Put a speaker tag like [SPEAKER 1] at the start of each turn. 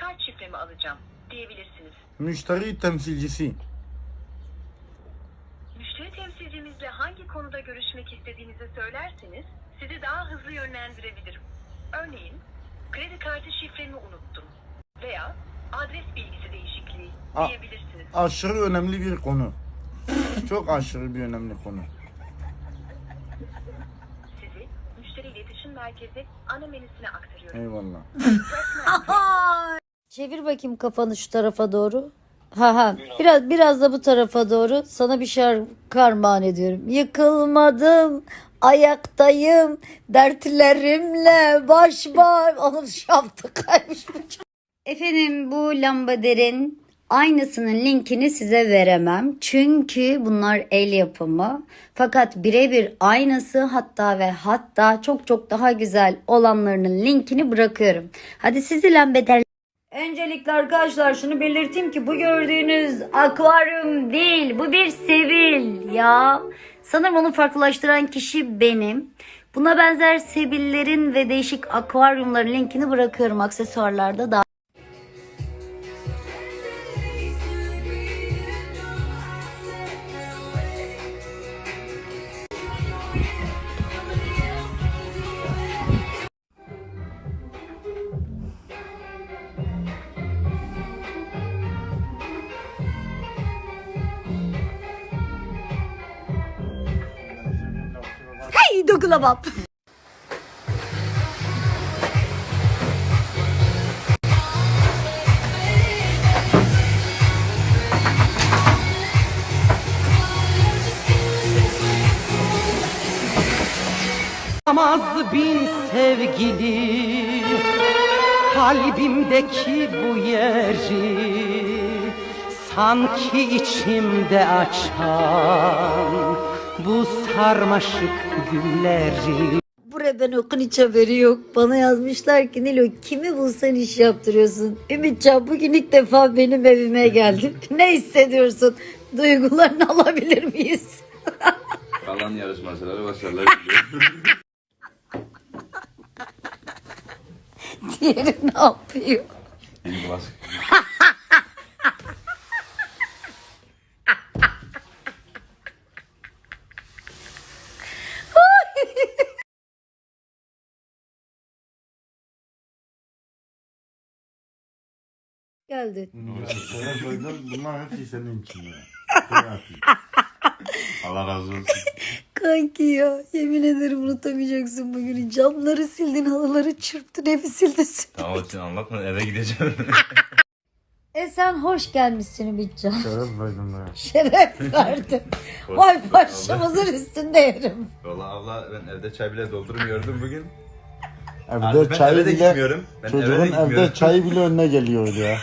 [SPEAKER 1] kart şifremi alacağım diyebilirsiniz.
[SPEAKER 2] Müşteri temsilcisi.
[SPEAKER 1] Müşteri temsilcimizle hangi konuda görüşmek istediğinizi söylerseniz sizi daha hızlı yönlendirebilirim. Örneğin, kredi kartı şifremi unuttum veya adres bilgisi değişikliği diyebilirsiniz.
[SPEAKER 2] Aşırı önemli bir konu. Çok aşırı bir önemli konu.
[SPEAKER 1] Sizi müşteri iletişim merkezi ana menüsüne aktarıyorum.
[SPEAKER 2] Eyvallah.
[SPEAKER 3] Çevir bakayım kafanı şu tarafa doğru. Biraz da bu tarafa doğru. Sana bir şarkı armağan ediyorum. Yıkılmadım, ayaktayım, dertlerimle baş başa. Onun şaftı kaymış bu. Efendim bu lambaderin aynısının linkini size veremem. Çünkü bunlar el yapımı. Fakat birebir aynısı hatta çok daha güzel olanlarının linkini bırakıyorum. Hadi sizi lambader. Öncelikle arkadaşlar şunu belirteyim ki bu gördüğünüz akvaryum değil, bu bir sebil ya. Sanırım onu farklılaştıran kişi benim. Buna benzer sebillerin ve değişik akvaryumların linkini bırakıyorum aksesuarlarda da. Hey dokulamam.
[SPEAKER 4] Amaz bin sevgili kalbimdeki bu yeri sanki içimde açan bu sarmaşık gülleri.
[SPEAKER 3] Buraya ben okun hiç haberi yok. Bana yazmışlar ki Nilo kimi bulsan iş yaptırıyorsun. Ümitcan bugün ilk defa benim evime geldin. Ne hissediyorsun? Duygularını alabilir miyiz?
[SPEAKER 5] Kalan yarışmacılara başarılar diliyorum.
[SPEAKER 3] Diğeri ne yapıyor?
[SPEAKER 5] Beni bulaşık.
[SPEAKER 3] Geldi.
[SPEAKER 2] Bunlar hepsi senin için ya.
[SPEAKER 5] Allah razı olsun.
[SPEAKER 3] Kanki ya yemin ederim unutamayacaksın bugünü. Camları sildin, halıları çırptın, evi sildin.
[SPEAKER 5] Tamam için anlatma, eve gideceğim.
[SPEAKER 3] Sen hoş gelmişsin Ümitcan.
[SPEAKER 2] Şeref verdim ya.
[SPEAKER 3] Şeref verdin. Vay başımızın üstünde yerim.
[SPEAKER 5] Valla abla ben evde çay bile doldurmuyordum bugün.
[SPEAKER 2] Evde
[SPEAKER 5] Ben
[SPEAKER 2] çay
[SPEAKER 5] eve de
[SPEAKER 2] bile,
[SPEAKER 5] gitmiyorum. Ben eve de
[SPEAKER 2] çocuğun
[SPEAKER 5] gitmiyorum.
[SPEAKER 2] evde çayı bile önüne geliyor ya.